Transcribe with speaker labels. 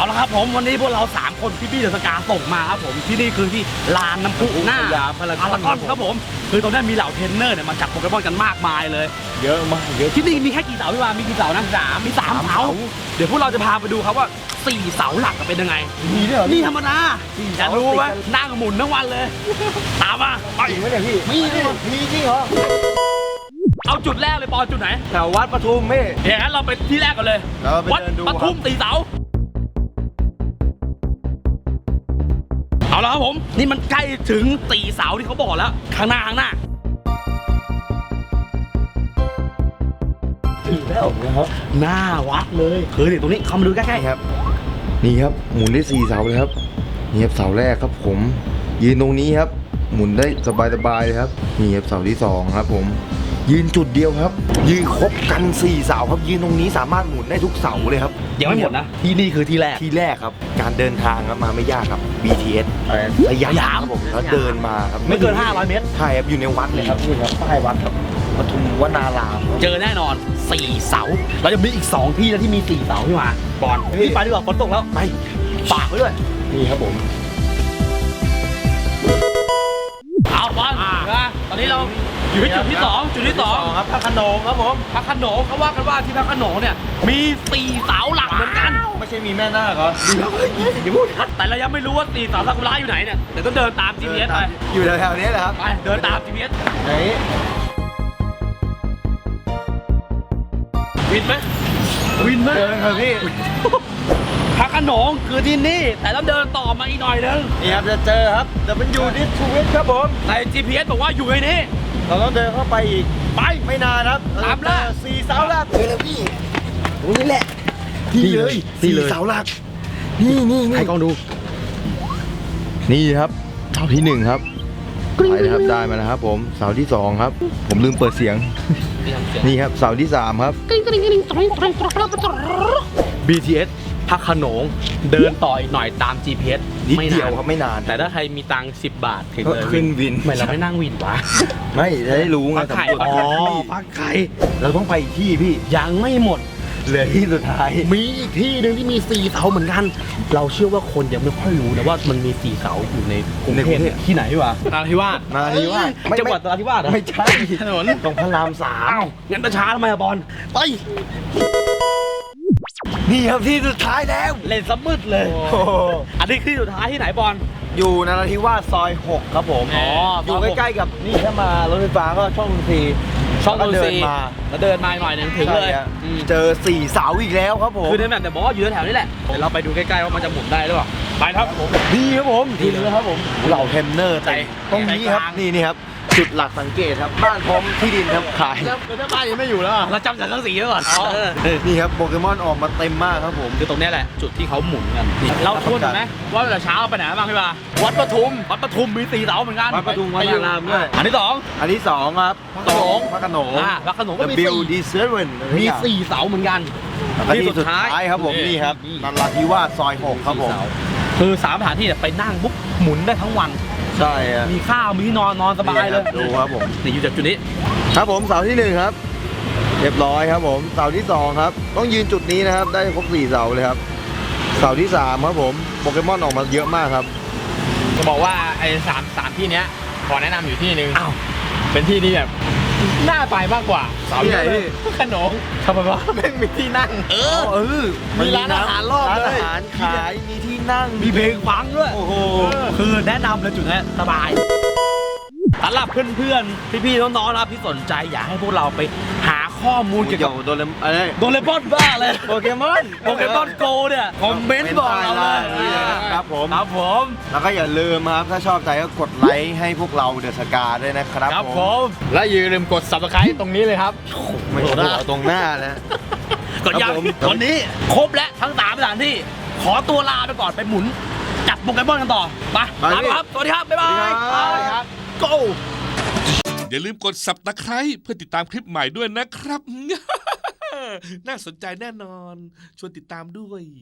Speaker 1: เอาละครับผมวันนี้พวกเรา3คนพี่เดอะสกาส่งมาครับผมที่นี่คือที่ลานน้ำพุหน้าพารากอนครับผมคือตรงนี้มีเหล่าเทรนเนอร์เนี่ยมาจับโปเกมอนกันมากมายเลย
Speaker 2: เยอะมากเยอะ
Speaker 1: ที่นี่มีแค่กี่เสาพี่วามีกี่เสานะมี3เสาเดี๋ยวพวกเราจะพาไปดูครับว่า4เสาหลักเป็นยังไง
Speaker 2: มีด้วยเหรอ
Speaker 1: นี่ธรรมดาจะรู้ไหมนั่งหมุนทั้งวันเลยตามมาไป
Speaker 2: จริงไหมเนี่ยพี่มีจริงเหรอ
Speaker 1: เอาจุดแรกเลยปอจุดไหน
Speaker 2: แถววัดปทุมพี่
Speaker 1: เดี๋ยวงั้นเราไปที่แรกกันเลยวัดปทุม4เสาเอาละครับผมนี่มันใกล้ถึง4เสาที่เขาบอกแล้วข้างหน้า
Speaker 2: ถึงแล้วนะครับ
Speaker 1: หน้าวัดเลยคือนี่ตรงนี้เข้ามาดูใกล้ๆ
Speaker 2: ครับนี่ครับหมุนได้4เสาเลยครับนี่ครับเสาแรกครับผมยืนตรงนี้ครับหมุนได้สบายๆเลยครับนี่ครับเสาที่2ครับผมยืนจุดเดียวครับยืนครบกัน4เสาครับยืนตรงนี้สามารถหมุนได้ทุกเสาเลยครับ
Speaker 1: ยังไม่หมดนะที่นี่คือที่แรก
Speaker 2: ครับการเดินทางครับมาไม่ยากครับ BTS สยามครับผมแล้วเดินมาครับ
Speaker 1: ไม่เกิน500เมตร
Speaker 2: ใช่ครับอยู่ในวัดเลยครับนี่ครับป้ายวัดครับปทุมวนาราม
Speaker 1: เจอแน่นอน4เสาเราจะมีอีก2ที่แล้วที่มี4เสาที่มาบอลพี่ไปดีกว่าฝนตกแล้ว
Speaker 2: ไป
Speaker 1: ฝากไว้ด้วย
Speaker 2: นี่ครับผม
Speaker 1: เอาบอลตอนนี้เราอยู่ที่จุดที่2
Speaker 2: ครับพระโขนงครับผม
Speaker 1: พระโขนงเขาว่ากันว่าที่พระโขนงเนี่ยมี4เสาหลักเหมือนกัน
Speaker 2: ไม่ใช่มีแม่นาคเหรอ
Speaker 1: อย่าพูดแต่เรายังไม่รู้ว่า4เสาซากุระอยู่ไหนเนี่ยเดี๋ยวต้องเดินตาม GPS ไป
Speaker 2: อยู่แถวๆนี้แหละครับ
Speaker 1: ไปเดินตาม GPS
Speaker 2: ไหน
Speaker 1: วินไหม
Speaker 2: เดินครับพี่
Speaker 1: พระโขนงคือที่นี่แต่ต้องเดินต่อมาอีกหน่อยนึง
Speaker 2: นี่ครับจะเจอครับแต่มันอยู่ที่ชูวิทย์ครับผม
Speaker 1: ใน GPS บอกว่าอยู่ในนี้
Speaker 2: เราต้องเดินเข้าไปอีก
Speaker 1: ไป
Speaker 2: ไม่นานครับ
Speaker 1: ตามล่า
Speaker 2: 4เสาหลักเลยพี่ตรงนี้แหละนี่เลย4เสาหลักนี่
Speaker 1: ให้กล้องดู
Speaker 2: นี่ครับเสาที่1ครับไปนะครับได้มาแล้วครับผมเสาที่2ครับผมลืมเปิดเสียงนี่ครับเสาที่3ครับ
Speaker 1: BTS พระโขนงเดินต่ออีกหน่อยตาม GPS
Speaker 2: นิดเดียวครับไม่นาน
Speaker 1: แต่ถ้าใครมีตังค์10 บาทถึงเลย
Speaker 2: ขึ้นวิน
Speaker 1: ไม่เราไม่นั่งวินวะ
Speaker 2: ไม่ได้รู้ไง
Speaker 1: พักไข่พักไข่
Speaker 2: เราต้องไปอีกที่พี่
Speaker 1: ยังไม่หมด
Speaker 2: เหลือที่สุดท้าย
Speaker 1: มีอีกที่หนึ่งที่มี4เสาเหมือนกันเราเชื่อว่าคนยังไม่ค่อยรู้นะว่ามันมี4เสาอยู่ในกรุงเทพที่ไหนวะนราธิวาสจังหวัดนราธิวาส
Speaker 2: ไม่ใช่
Speaker 1: ถนน
Speaker 2: ตรงพระราม
Speaker 1: 3งั้นประชาทำไมบอลไป
Speaker 2: นี่ครับที่สุดท้ายแล้ว
Speaker 1: เล่นสมืดเลยอันนี้คือสุดท้ายที่ไหนบอล
Speaker 2: อยู่นราธิวาสซอย6ครับผมอยู่ใกล้ๆกับนี่ถ้ามารถไฟฟ้าก็ช่อง
Speaker 1: เดินมาแล้วเดินมาหน่อยนึงถึงเลย
Speaker 2: เจอ4เสาอีกแล้วครับผม
Speaker 1: คือในแบบแต่บอกว่าอยู่แถวนี้แหละเดี๋ยวเราไปดูใกล้ๆว่ามันจะหมุนได้หรือเปล่าไปครับผม
Speaker 2: ดีครับผมดีเลยครับผมเหล่าเทรนเนอร์ใจตรงนี้ครับนี่ครับจุดหลักสังเกตครับบ้านพร้อมที่ดินครับขาย
Speaker 1: แล้วถ้าบ้านยังไม่อยู่แล้วเราจำจากทั้งสีไว้ก่อน
Speaker 2: นี่ครับโปเกมอนออกมาเต็มมากครับผม
Speaker 1: คือตรงนี้แหละจุดที่เขาหมุนกันเราทวนไหมว่าเวลาเช้าไปไหนบ้างพี่บ่าวัดปทุมมี4เสาเหมือนกัน
Speaker 2: วัดปทุมวัดอารามด้วย
Speaker 1: อันที่2
Speaker 2: ครับพระโขนง
Speaker 1: ก็มี
Speaker 2: มี
Speaker 1: 4เสาเหมือนกัน
Speaker 2: ที่สุดท้ายครับผมนี่ครับนราธิวาสซอย6ครับผม
Speaker 1: คือ3สถานที่ไปนั่งปุ๊บหมุนได้ทั้งวัน
Speaker 2: ใช่
Speaker 1: มีข้าวมีที่นอนสบายเลย
Speaker 2: ดูครับผม
Speaker 1: นี่อยู่จากจุดนี้
Speaker 2: ครับผมเสาที่1ครับเรียบร้อยครับผมเสาที่2ครับต้องยืนจุดนี้นะครับได้ครบ4เสาเลยครับเสาที่3ครับผมโปเกมอนออกมาเยอะมากครับ
Speaker 1: จะบอกว่าไอ้3ที่เนี้ยขอแนะนำอยู่ที่นึงเป็นที่ที่แบบน่าไปมากกว่า
Speaker 2: เสาที่ไหนพี่
Speaker 1: ขนมทำไมวะแม่งมีที่นั่งมีร้านอาหารรอบเลย
Speaker 2: ร้านอาหารขายมีที่นั่ง
Speaker 1: มีเพลงฟังด้วยโอ้โหคือแนะนำเลยจุดนี้สบายสำหรับเพื่อนๆพี่ๆน้องๆนะครับที่สนใจอยากให้พวกเราไปหาข้อมูลเกี่ยวกับ
Speaker 2: โดเร
Speaker 1: มอนบ้าเลย
Speaker 2: โปเกมอน
Speaker 1: โกเนี่ยคอมเมนต์บอกเราเลย
Speaker 2: ครับผมแล้วก็อย่าลืมครับถ้าชอบใจก็กดไลค์ให้พวกเราเดอะสกาด้วยนะครับ
Speaker 1: ผมและอย่าลืมกด Subscribe ตรงนี้เลยครับ
Speaker 2: ไม่ถูกตรงหน้าแล้ว
Speaker 1: กดยังวันนี้ครบแล้วทั้ง3สถานที่ขอตัวลาไปก่อนไปหมุนจับโปเกมอนกันต่อไปครับสวัสดีครับบ๊ายบายครับGo
Speaker 3: อย่าลืมกด Subscribe เพื่อติดตามคลิปใหม่ด้วยนะครับ น่าสนใจแน่นอนชวนติดตามด้วย